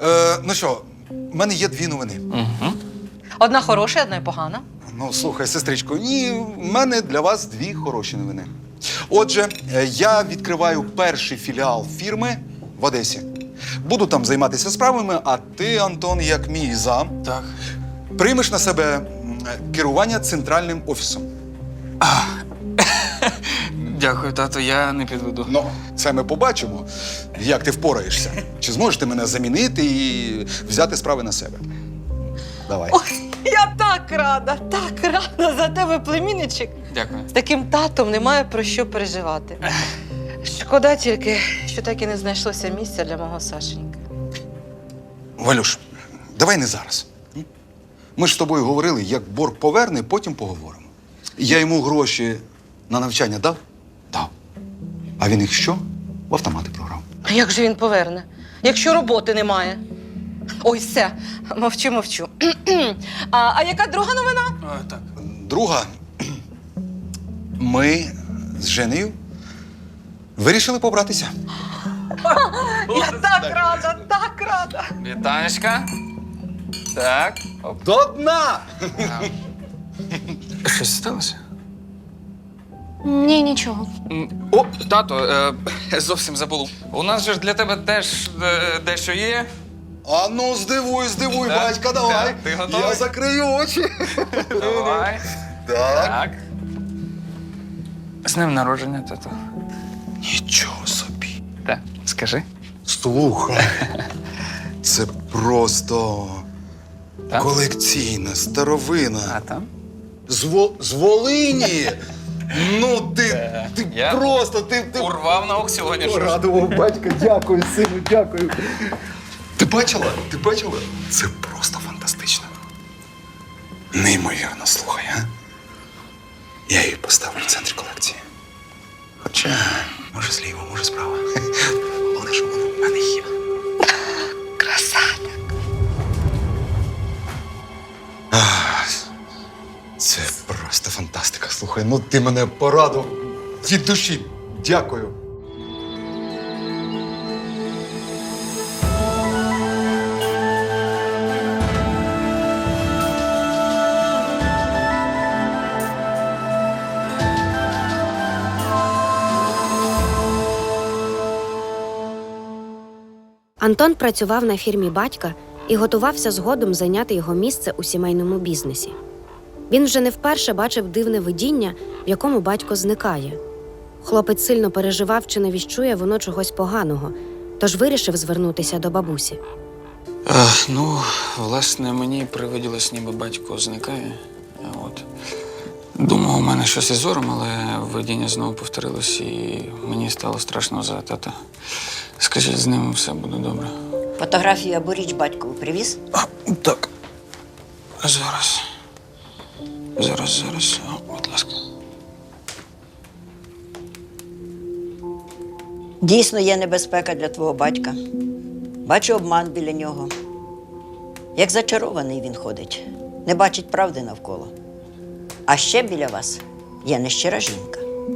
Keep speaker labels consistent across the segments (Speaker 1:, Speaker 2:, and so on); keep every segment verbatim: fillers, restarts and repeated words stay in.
Speaker 1: Е, ну що, в мене є дві новини.
Speaker 2: Угу.
Speaker 3: Одна хороша, одна й погана.
Speaker 1: Ну, слухай, сестричко, ні, в мене для вас дві хороші новини. Отже, е, я відкриваю перший філіал фірми в Одесі. Буду там займатися справами, а ти, Антон, як мій зам,
Speaker 2: Так.
Speaker 1: приймеш на себе м, керування центральним офісом.
Speaker 2: Дякую, тато, я не підведу.
Speaker 1: Ну, це ми побачимо, як ти впораєшся. Чи зможеш ти мене замінити і взяти справи на себе? Давай.
Speaker 3: Ой, я так рада, так рада за тебе, племінничок.
Speaker 2: Дякую.
Speaker 3: З таким татом немає про що переживати. Шкода тільки, що так і не знайшлося місця для мого Сашеньки.
Speaker 1: Валюш, давай не зараз. м? Ми ж з тобою говорили, як борг поверне, потім поговоримо. Я йому гроші на навчання дав? Дав. А він їх що? В автомати програв.
Speaker 3: А як же він поверне, якщо роботи немає? Ой, все, мовчу, мовчу. а, а яка друга новина?
Speaker 2: А, так.
Speaker 1: Друга, ми з Женею вирішили побратися.
Speaker 3: Я так рада, так рада.
Speaker 2: Вітанечка. Так. Оп.
Speaker 1: До дна!
Speaker 2: Щось сталося?
Speaker 4: Ні, нічого.
Speaker 2: М, О, тато, е, зовсім забув. У нас же ж для тебе теж е, дещо є.
Speaker 1: А ну, здивуй, здивуй,
Speaker 2: Так,
Speaker 1: батька, давай.
Speaker 2: так, ти готовий?
Speaker 1: Я закрию очі.
Speaker 2: Давай.
Speaker 1: Так.
Speaker 2: Так. З днем народження, тато.
Speaker 1: Нічого собі.
Speaker 2: Так, скажи.
Speaker 1: Слухай, це просто
Speaker 2: Так?
Speaker 1: колекційна старовина.
Speaker 2: А там?
Speaker 1: З, Во- з Волині. Ну, ти, ти
Speaker 2: Я
Speaker 1: просто, ти, ти
Speaker 2: Урвав на аукціоні. що ж.
Speaker 1: порадував батька. Дякую, сину, дякую. Ти бачила? Ти бачила? Це просто фантастично. Неймовірно, слухай, а? Я її поставлю в центрі колекції. Хоча, може, зліва, може, справа. Головне, що воно в мене є. Красавчик. Ах, Це просто фантастика. Слухай, ну ти мене порадував від душі. Дякую.
Speaker 5: Антон працював на фірмі батька і готувався згодом зайняти його місце у сімейному бізнесі. Він вже не вперше бачив дивне видіння, в якому батько зникає. Хлопець сильно переживав, чи не віщує воно чогось поганого, тож вирішив звернутися до бабусі.
Speaker 2: А, ну, власне, мені привиділось, ніби батько зникає. А От. Думав, у мене щось із зором, але видіння знову повторилось, і мені стало страшно за тата. Скажіть, з ним все буде добре.
Speaker 6: Фотографію або річ батькову привіз?
Speaker 2: А, так. Зараз. Зараз, зараз. О, будь ласка.
Speaker 6: Дійсно є небезпека для твого батька. Бачу обман біля нього. Як зачарований він ходить, не бачить правди навколо. А ще біля вас є нещира жінка.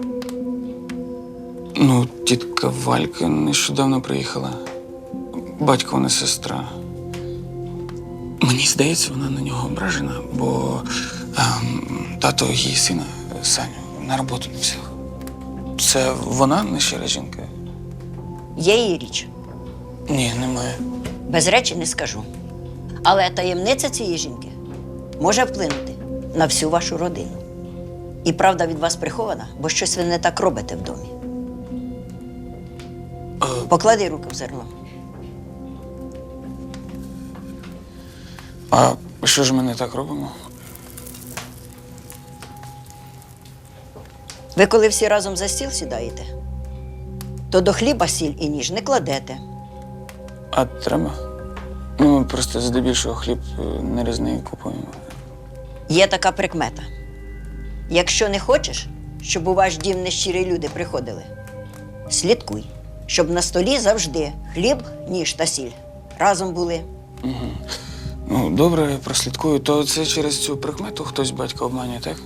Speaker 2: Ну, тітка Валька нещодавно приїхала. Батько не сестра. Мені здається, вона на нього ображена, бо ем, тато її сина, Саню, на роботу не взяв. Це вона нещира жінка?
Speaker 6: Є її річ.
Speaker 2: Ні, немає.
Speaker 6: Без речі не скажу. Але таємниця цієї жінки може вплинути на всю вашу родину. І правда від вас прихована, бо щось ви не так робите в домі. Поклади руки в зерно.
Speaker 2: А що ж ми не так робимо?
Speaker 6: Ви коли всі разом за стіл сідаєте, то до хліба сіль і ніж не кладете.
Speaker 2: А треба? Ну, ми просто здебільшого хліб е, нарізний купуємо.
Speaker 6: Є така прикмета. Якщо не хочеш, щоб у ваш дім нещирі люди приходили, слідкуй, щоб на столі завжди хліб, ніж та сіль разом були.
Speaker 2: Ну, добре, прослідкую. То це через цю прикмету хтось батька обманює, так?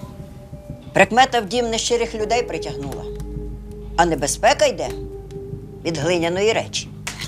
Speaker 6: Прикмета в дім нещирих людей притягнула. А небезпека йде від глиняної речі.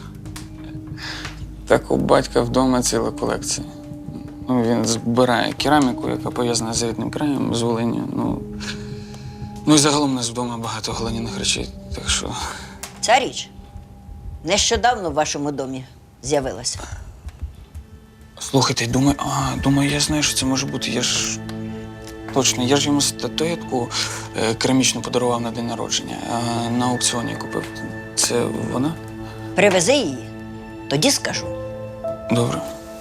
Speaker 2: Так у батька вдома ціла колекція. Ну, він збирає кераміку, яка пов'язана з рідним краєм, з Волиню. Ну, ну і загалом у нас вдома багато глиняних речей, так що.
Speaker 6: Ця річ нещодавно в вашому домі з'явилася.
Speaker 2: Слухайте, думаю, а, думаю, я знаю, що це може бути. Я ж точно, я ж йому статуетку е, керамічну подарував на день народження, а на аукціоні купив. Це вона?
Speaker 6: Привези її, тоді скажу.
Speaker 2: Добре.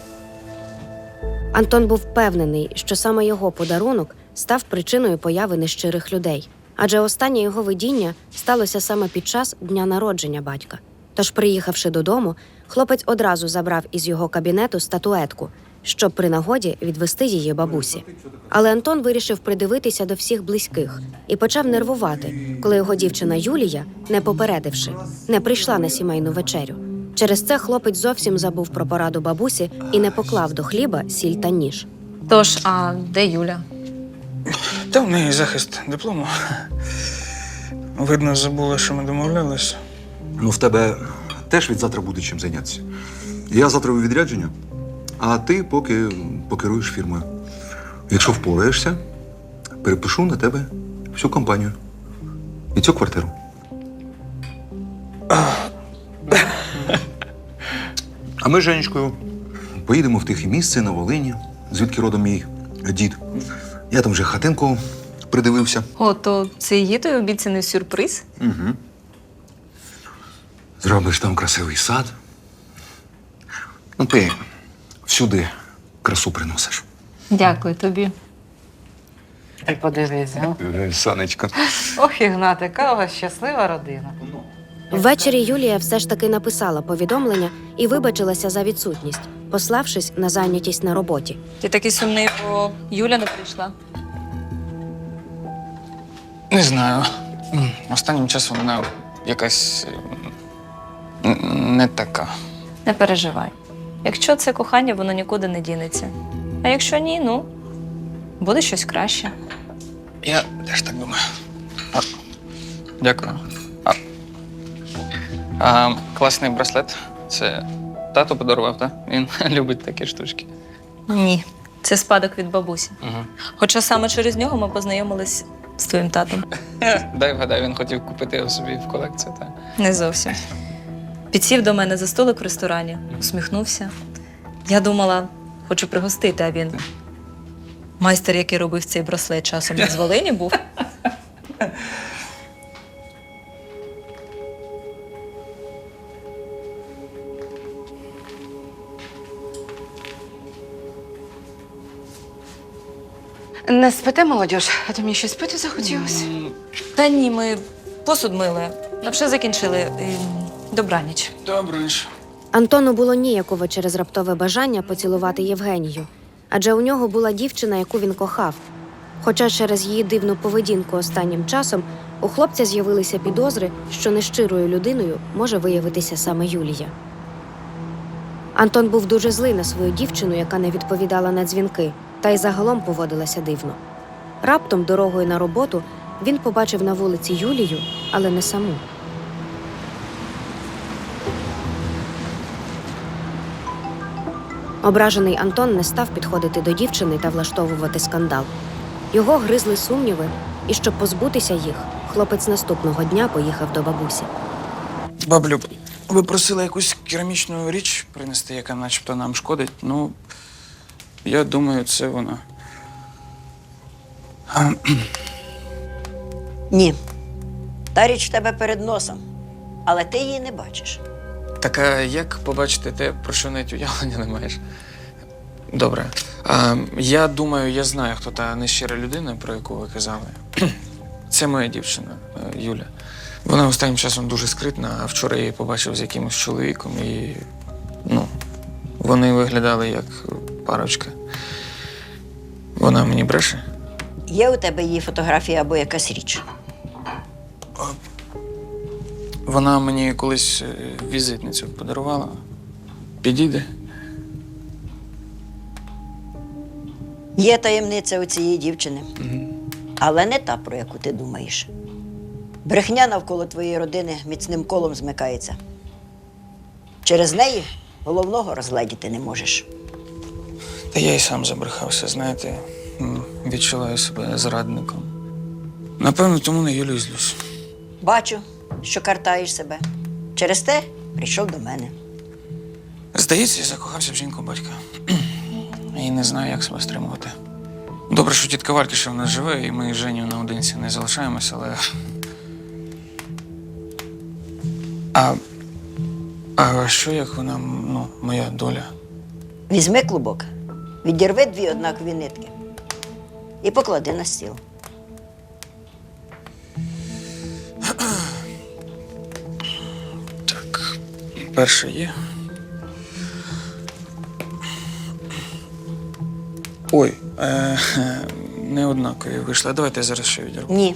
Speaker 5: Антон був впевнений, що саме його подарунок став причиною появи нещирих людей. Адже останнє його видіння сталося саме під час дня народження батька. Тож, приїхавши додому, хлопець одразу забрав із його кабінету статуетку, щоб при нагоді відвести її бабусі. Але Антон вирішив придивитися до всіх близьких і почав нервувати, коли його дівчина Юлія, не попередивши, не прийшла на сімейну вечерю. Через це хлопець зовсім забув про пораду бабусі і не поклав до хліба сіль та ніж.
Speaker 3: Тож, а де Юля?
Speaker 2: Та в неї захист диплому. Видно, забула, що ми домовлялися.
Speaker 1: Ну, в тебе теж від завтра буде чим зайнятися. Я завтра у відрядження, а ти поки покеруєш фірмою. Якщо впораєшся, перепишу на тебе всю компанію і цю квартиру. А ми з Женечкою поїдемо в тихе місце на Волині, звідки родом мій дід. Я там вже хатинку придивився.
Speaker 3: О, то це і є той обіцяний сюрприз?
Speaker 1: Угу. Зробиш там красивий сад. Ну, ти всюди красу приносиш.
Speaker 3: Дякую тобі. Ти подивись, а?
Speaker 1: Санечко.
Speaker 3: Ох, Ігнат, яка у вас щаслива родина.
Speaker 5: Ввечері Юлія все ж таки написала повідомлення і вибачилася за відсутність, пославшись на зайнятість на роботі.
Speaker 3: Ти такий сумний, бо Юля не прийшла.
Speaker 2: Не знаю. М, Останнім часом вона якась е, н- не така.
Speaker 4: Не переживай. Якщо це кохання, воно нікуди не дінеться. А якщо ні, ну, буде щось краще.
Speaker 2: Я теж так думаю. А, дякую. А, а, класний браслет. Це тато подарував, так? Він любить такі штучки.
Speaker 4: Ні, це спадок від бабусі.
Speaker 2: Угу.
Speaker 4: Хоча саме через нього ми познайомились з твоїм татом.
Speaker 2: Дай вгадай, він хотів купити його собі в колекцію, так?
Speaker 4: Не зовсім. Підсів до мене за столик в ресторані, усміхнувся. Я думала, хочу пригостити, а він. Майстер, який робив цей браслет, часом не з Волині був.
Speaker 3: Не спите, молодіж? А то мені щось пити захотілося.
Speaker 4: Та ні, ми посуд мили. Вже закінчили. Ем, Добраніч.
Speaker 2: Добре ж.
Speaker 5: Антону було ніяково через раптове бажання поцілувати Євгенію, адже у нього була дівчина, яку він кохав. Хоча через її дивну поведінку останнім часом у хлопця з'явилися підозри, що нещирою людиною може виявитися саме Юлія. Антон був дуже злий на свою дівчину, яка не відповідала на дзвінки, та й загалом поводилася дивно. Раптом дорогою на роботу він побачив на вулиці Юлію, але не саму. Ображений Антон не став підходити до дівчини та влаштовувати скандал. Його гризли сумніви, і щоб позбутися їх, хлопець наступного дня поїхав до бабусі.
Speaker 2: Баблю, ви просили якусь керамічну річ принести, яка начебто нам шкодить. Ну, я думаю, це вона. А,
Speaker 6: Ні. Та річ в тебе перед носом, але ти її не бачиш.
Speaker 2: Так а як побачити те, про що навіть уявлення не маєш? Добре. А, я думаю, я знаю, хто та нещира людина, про яку ви казали. Це моя дівчина, е, Юля. Вона останнім часом дуже скритна, а вчора я її побачив з якимось чоловіком і. Ну, вони виглядали як парочка. Вона мені бреше.
Speaker 6: Є у тебе її фотографія або якась річ?
Speaker 2: Вона мені колись е, візитницю подарувала. Підійде.
Speaker 6: Є таємниця у цієї дівчини, але не та, про яку ти думаєш. Брехня навколо твоєї родини міцним колом змикається. Через неї головного розгледіти не можеш.
Speaker 2: Та я й сам забрехався, знаєте, М, відчуваю себе зрадником. Напевно, тому на Юлю й злюсь.
Speaker 6: Бачу, що картаєш себе. Через те прийшов до мене.
Speaker 2: Здається, я закохався в жінку батька. І не знаю, як себе стримувати. Добре, що тітка Валька ще в нас живе, і ми з Женю наодинці не залишаємось, але. А, а що як вона, ну, моя доля?
Speaker 6: Візьми клубок, відірви дві однакові нитки і поклади на стіл.
Speaker 2: Так, перше є. Ой, е, не однакові вийшли. Давайте я зараз ще відірву.
Speaker 6: Ні.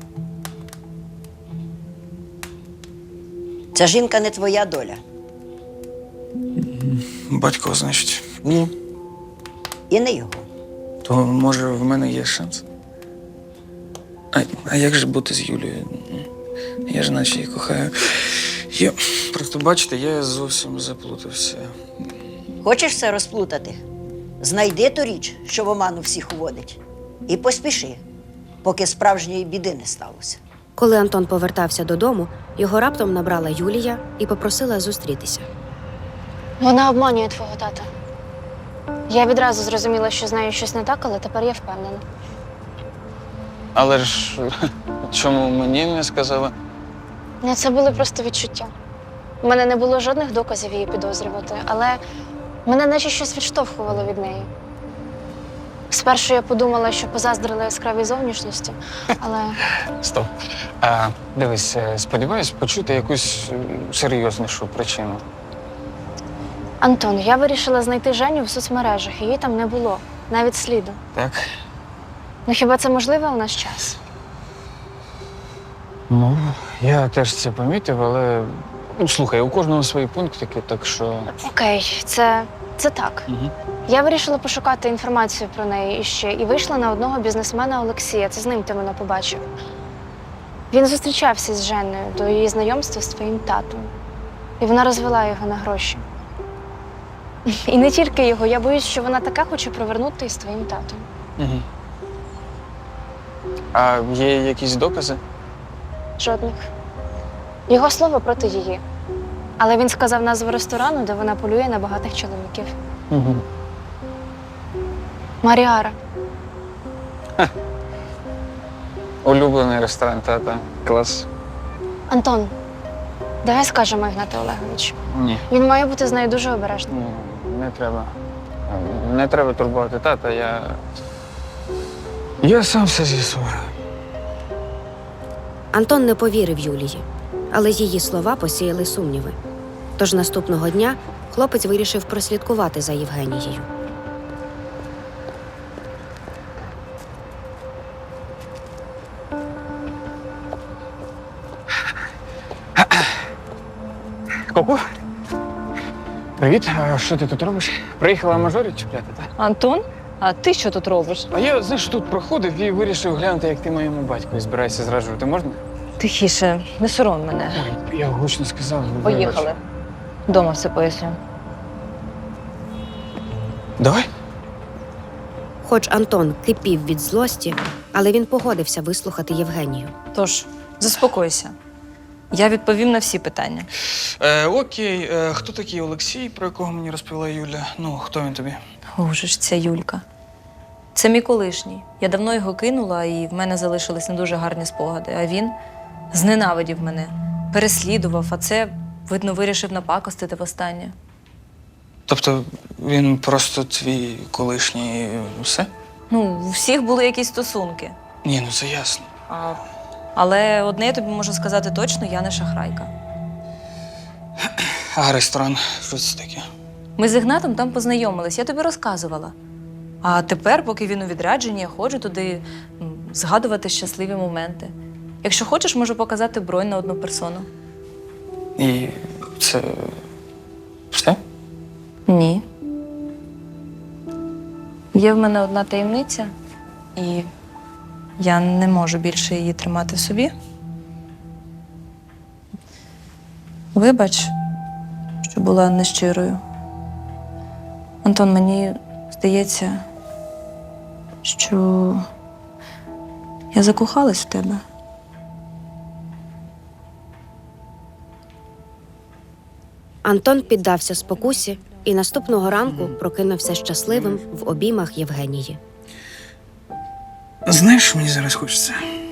Speaker 6: Ця жінка не твоя доля.
Speaker 2: Батько, значить.
Speaker 6: Ні. І не його.
Speaker 2: То, може, в мене є шанс? А, а як же бути з Юлією? Я ж наче її кохаю. Я... Просто бачите, я зовсім заплутався.
Speaker 6: Хочеш все розплутати? Знайди ту річ, що в оману всіх уводить. І поспіши, поки справжньої біди не сталося.
Speaker 5: Коли Антон повертався додому, його раптом набрала Юлія і попросила зустрітися.
Speaker 7: Вона обманює твого тата. Я відразу зрозуміла, що з нею щось не так, але тепер я впевнена.
Speaker 2: Але ж чому мені не сказали?
Speaker 7: Ну, це були просто відчуття. У мене не було жодних доказів її підозрювати, але мене наче щось відштовхувало від неї. Спершу я подумала, що позаздрила яскравій зовнішності, але
Speaker 2: Стоп. А, дивись, е, сподіваюсь почути якусь е, серйознішу причину.
Speaker 7: Антон, я вирішила знайти Женю в соцмережах, її там не було, навіть сліду.
Speaker 2: Так?
Speaker 7: Ну хіба це можливо у наш час?
Speaker 2: Ну, я теж це помітив, але ну, слухай, у кожного свої пунктики, так що.
Speaker 7: Окей, це, це так.
Speaker 2: Угу.
Speaker 7: Я вирішила пошукати інформацію про неї іще і вийшла на одного бізнесмена Олексія. Це з ним ти мене побачив. Він зустрічався з Женою до її знайомства з твоїм татом. І вона розвела його на гроші. І не тільки його, я боюсь, що вона таке хоче провернути із твоїм татом.
Speaker 2: Угу. А є якісь докази?
Speaker 7: Жодних. Його слово проти її. Але він сказав назву ресторану, де вона полює на багатих чоловіків.
Speaker 2: Угу.
Speaker 7: Маріара.
Speaker 2: Улюблений ресторан тата. Клас.
Speaker 7: Антон, давай скажемо Ігнату Олеговичу.
Speaker 2: Ні.
Speaker 7: Він має бути з нею дуже обережним.
Speaker 2: Ні, не треба. Не треба турбувати тата, я. Я сам все з'ясую.
Speaker 5: Антон не повірив Юлії, але її слова посіяли сумніви. Тож наступного дня хлопець вирішив прослідкувати за Євгенією.
Speaker 2: Ку-ку. Привіт, а що ти тут робиш? Приїхала мажорів чіпляти, так?
Speaker 3: Антон, а ти що тут робиш?
Speaker 2: А я, знаєш, тут проходив і вирішив глянути, як ти моєму батьку збираєшся зраджувати. Можна?
Speaker 3: Тихіше, не сором мене.
Speaker 2: Ой, я гучно сказав.
Speaker 3: Поїхали. Дома все поясню.
Speaker 2: Давай.
Speaker 5: Хоч Антон кипів від злості, але він погодився вислухати Євгенію.
Speaker 4: Тож, заспокойся. Я відповім на всі питання.
Speaker 2: Е, окей, е, хто такий Олексій, про якого мені розповіла Юля? Ну, хто він тобі?
Speaker 4: Боже ж, ця Юлька. Це мій колишній. Я давно його кинула, і в мене залишились не дуже гарні спогади. А він зненавидів мене, переслідував, а це, видно, вирішив напакостити востаннє.
Speaker 2: Тобто він просто твій колишній і все?
Speaker 4: Ну, у всіх були якісь стосунки.
Speaker 2: Ні, ну це ясно.
Speaker 4: А... Але одне я тобі можу сказати точно, я не шахрайка.
Speaker 2: А ресторан, що це таке?
Speaker 4: Ми з Ігнатом там познайомились, я тобі розказувала. А тепер, поки він у відрядженні, я ходжу туди м, згадувати щасливі моменти. Якщо хочеш, можу показати бронь на одну персону.
Speaker 2: І це все?
Speaker 4: Ні. Є в мене одна таємниця, і я не можу більше її тримати в собі. Вибач, що була нещирою. Антон, мені здається, що я закохалась в тебе.
Speaker 5: Антон піддався спокусі і наступного ранку прокинувся щасливим в обіймах Євгенії.
Speaker 2: Знаєш, що мені зараз хочеться?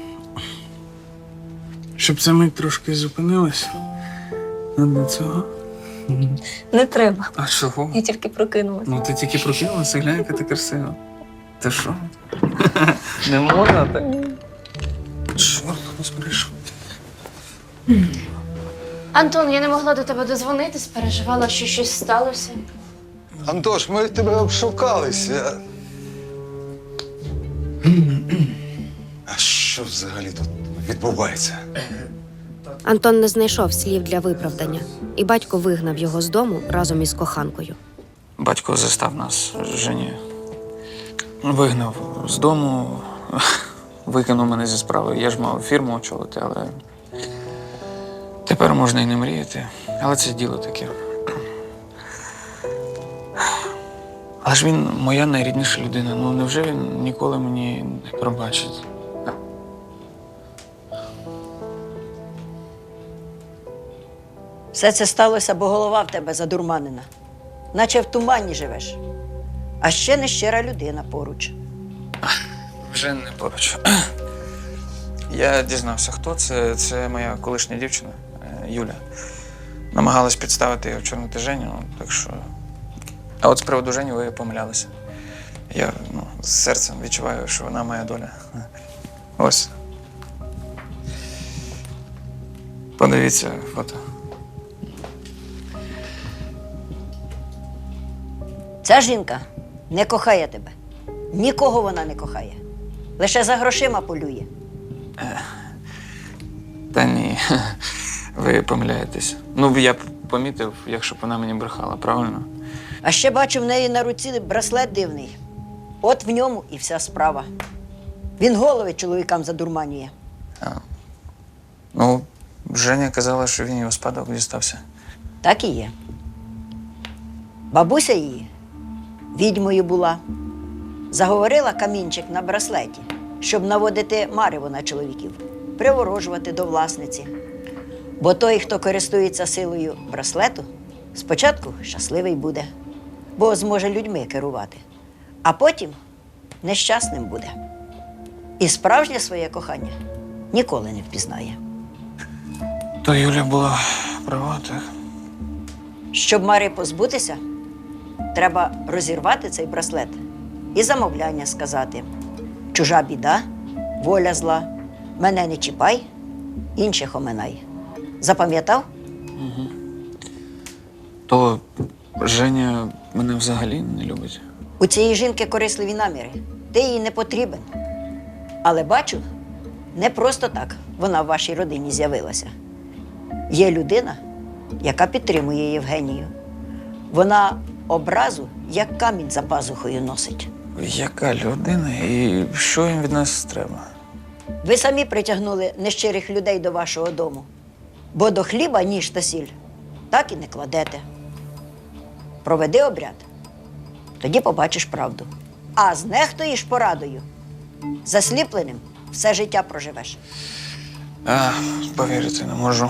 Speaker 2: Щоб ця мить трошки зупинилась. А до цього.
Speaker 4: Не треба.
Speaker 2: А чого?
Speaker 4: Я тільки прокинулась.
Speaker 2: Ну, ти тільки прокинулася, глянь, яка ти красива. Ти що? Не можна так? Чорт, нас прийшов.
Speaker 7: Антон, я не могла до тебе дозвонитись, переживала, що щось сталося.
Speaker 1: Антош, ми тебе обшукалися. А що взагалі тут відбувається?
Speaker 5: Антон не знайшов слів для виправдання, і батько вигнав його з дому разом із коханкою.
Speaker 2: Батько застав нас з Женєю. Вигнав з дому, викинув мене зі справи. Я ж мав фірму очолити, але тепер можна і не мріяти. Але це діло таке. Але ж він моя найрідніша людина. Ну невже він ніколи мені не пробачить?
Speaker 6: Все це сталося, бо голова в тебе задурманена. Наче в тумані живеш. А ще нещира людина поруч.
Speaker 2: Вже не поруч. Я дізнався, хто це. Це моя колишня дівчина е, Юля. Намагалась підставити і очорнити Женю, так що. А от з приводу Жені ви помилялися. Я ну, з серцем відчуваю, що вона моя доля. Ось. Подивіться фото.
Speaker 6: Ця жінка не кохає тебе. Нікого вона не кохає. Лише за грошима полює.
Speaker 2: Та ні, ви помиляєтесь. Ну, я б помітив, якщо б вона мені брехала, правильно?
Speaker 6: А ще бачу в неї на руці браслет дивний. От в ньому і вся справа. Він голови чоловікам задурманює.
Speaker 2: Ну, Женя казала, що він його спадок дістався.
Speaker 6: Так і є. Бабуся її відьмою була. Заговорила камінчик на браслеті, щоб наводити марево на чоловіків, приворожувати до власниці. Бо той, хто користується силою браслету, спочатку щасливий буде, бо зможе людьми керувати, а потім нещасним буде. І справжнє своє кохання ніколи не впізнає.
Speaker 2: То Юля була права, так?
Speaker 6: Щоб Мари позбутися, треба розірвати цей браслет і замовляння сказати: чужа біда, воля зла, мене не чіпай, інших оминай. Запам'ятав?
Speaker 2: То Женя мене взагалі не любить.
Speaker 6: У цієї жінки корисливі наміри. Ти їй не потрібен. Але бачу, не просто так вона в вашій родині з'явилася. Є людина, яка підтримує Євгенію. Вона образу, як камінь за пазухою носить.
Speaker 2: Яка людина і що їм від нас треба?
Speaker 6: Ви самі притягнули нещирих людей до вашого дому. Бо до хліба ніж та сіль так і не кладете. Проведи обряд, тоді побачиш правду. А знехтуєш порадою, засліпленим все життя проживеш.
Speaker 2: А, повірити не можу.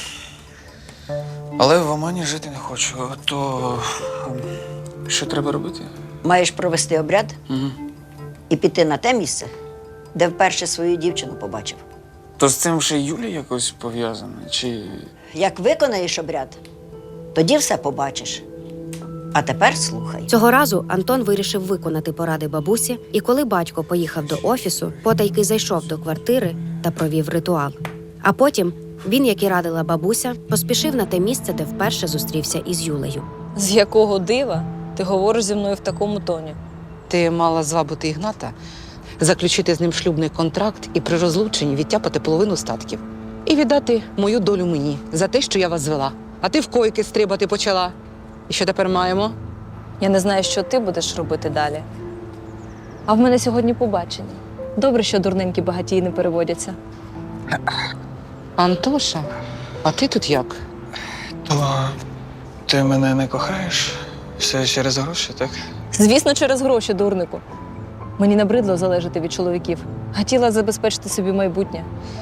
Speaker 2: Але в Омані жити не хочу. То що треба робити?
Speaker 6: Маєш провести обряд
Speaker 2: Угу.
Speaker 6: і піти на те місце, де вперше свою дівчину побачив.
Speaker 2: То з цим ще Юля якось пов'язана? Чи.
Speaker 6: Як виконаєш обряд, тоді все побачиш. А тепер слухай.
Speaker 5: Цього разу Антон вирішив виконати поради бабусі, і коли батько поїхав до офісу, потайки зайшов до квартири та провів ритуал. А потім він, як і радила бабуся, поспішив на те місце, де вперше зустрівся із Юлею.
Speaker 4: З якого дива ти говориш зі мною в такому тоні?
Speaker 8: Ти мала звабити Ігната, заключити з ним шлюбний контракт і при розлученні відтяпати половину статків. І віддати мою долю мені за те, що я вас звела. А ти в койки стрибати почала. І що тепер маємо?
Speaker 4: Я не знаю, що ти будеш робити далі. А в мене сьогодні побачення. Добре, що дурненькі багатії не переводяться.
Speaker 8: Антоша, а ти тут як?
Speaker 2: То ти мене не кохаєш? Все через гроші, так?
Speaker 4: Звісно, через гроші, дурнику. Мені набридло залежати від чоловіків. Хотіла забезпечити собі майбутнє.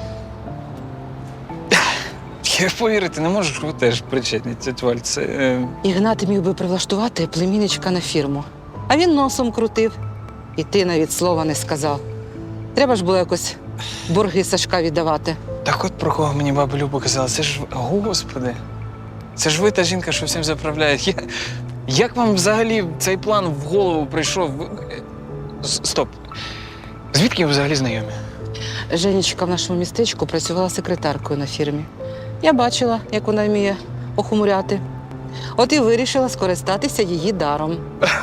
Speaker 2: Я повірити не можу, що ви теж причетні, тетя Валь. Це. Е...
Speaker 8: Ігнат міг би прилаштувати племінничка на фірму. А він носом крутив. І ти навіть слова не сказав. Треба ж було якось борги Сашка віддавати.
Speaker 2: Так от про кого мені баба Люба казала, це ж, господи, це ж ви та жінка, що всім заправляє. Я... Як вам взагалі цей план в голову прийшов? Ви- С- Стоп. Звідки ви взагалі знайомі?
Speaker 8: Женечка в нашому містечку працювала секретаркою на фірмі. Я бачила, як вона вміє охумуряти. От і вирішила скористатися її даром.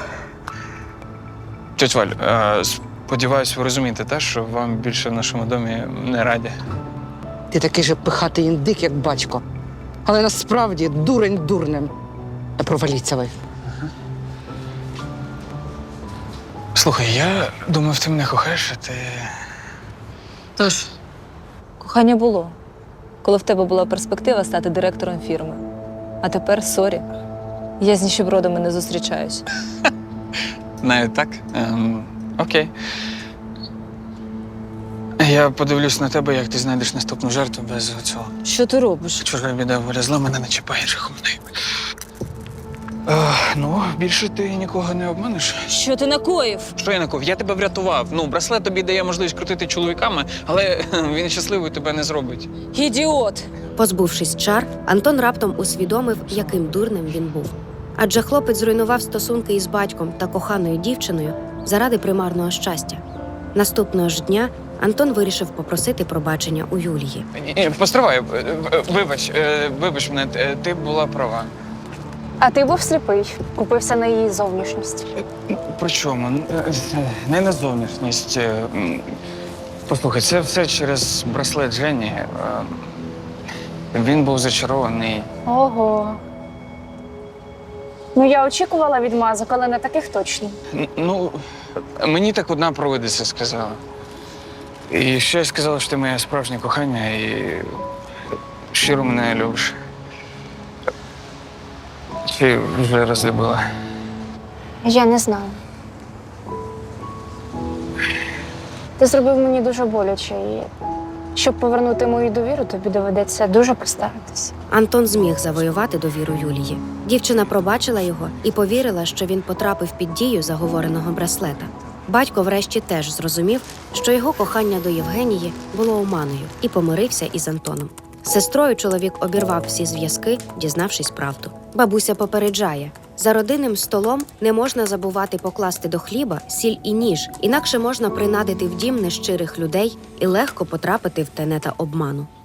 Speaker 2: Тетя Валь, е, сподіваюсь, ви розумієте, те, що вам більше в нашому домі не раді.
Speaker 8: Ти такий же пихатий індик, як батько. Але насправді дурень дурнем. Та проваліться ви.
Speaker 2: Слухай, я думав, ти мене кохаєш, а ти.
Speaker 4: Тож, кохання було, коли в тебе була перспектива стати директором фірми. А тепер сорі. Я з ніщебродами не зустрічаюсь.
Speaker 2: Навіть так? Ем, окей. Я подивлюсь на тебе, як ти знайдеш наступну жертву без цього.
Speaker 4: Що ти робиш?
Speaker 2: Чужа біда, воля зла, мене не чіпає жахомний. Е, ну, більше ти нікого не обманеш.
Speaker 4: Що ти накоїв?
Speaker 2: Що я наков? Я тебе врятував. Ну, браслет тобі дає можливість крутити чоловіками, але він щасливий тебе не зробить.
Speaker 4: Ідіот!
Speaker 5: Позбувшись чар, Антон раптом усвідомив, яким дурним він був. Адже хлопець зруйнував стосунки із батьком та коханою дівчиною заради примарного щастя. Наступного ж дня Антон вирішив попросити пробачення у Юлії.
Speaker 2: Ні, ні, постривай, е, е, вибач, е, вибач мене, е, ти була права.
Speaker 7: А ти був сліпий, купився на її зовнішність.
Speaker 2: При чому? Е, Не на зовнішність. е, м. Послухай, це все через браслет Жені. Е, Він був зачарований.
Speaker 7: Ого. Ну, я очікувала відмазок, але не таких точно.
Speaker 2: Н- Ну, мені так одна провидиця сказала. І ще й сказала, що ти моє справжнє кохання і щиро мене любиш. Чи вже розлюбила?
Speaker 7: Я не знаю. Ти зробив мені дуже боляче, і щоб повернути мою довіру, тобі доведеться дуже постаратися.
Speaker 5: Антон зміг завоювати довіру Юлії. Дівчина пробачила його і повірила, що він потрапив під дію заговореного браслета. Батько врешті теж зрозумів, що його кохання до Євгенії було оманою, і помирився із Антоном. З сестрою чоловік обірвав всі зв'язки, дізнавшись правду. Бабуся попереджає: за родинним столом не можна забувати покласти до хліба сіль і ніж, інакше можна принадити в дім нещирих людей і легко потрапити в тенета обману.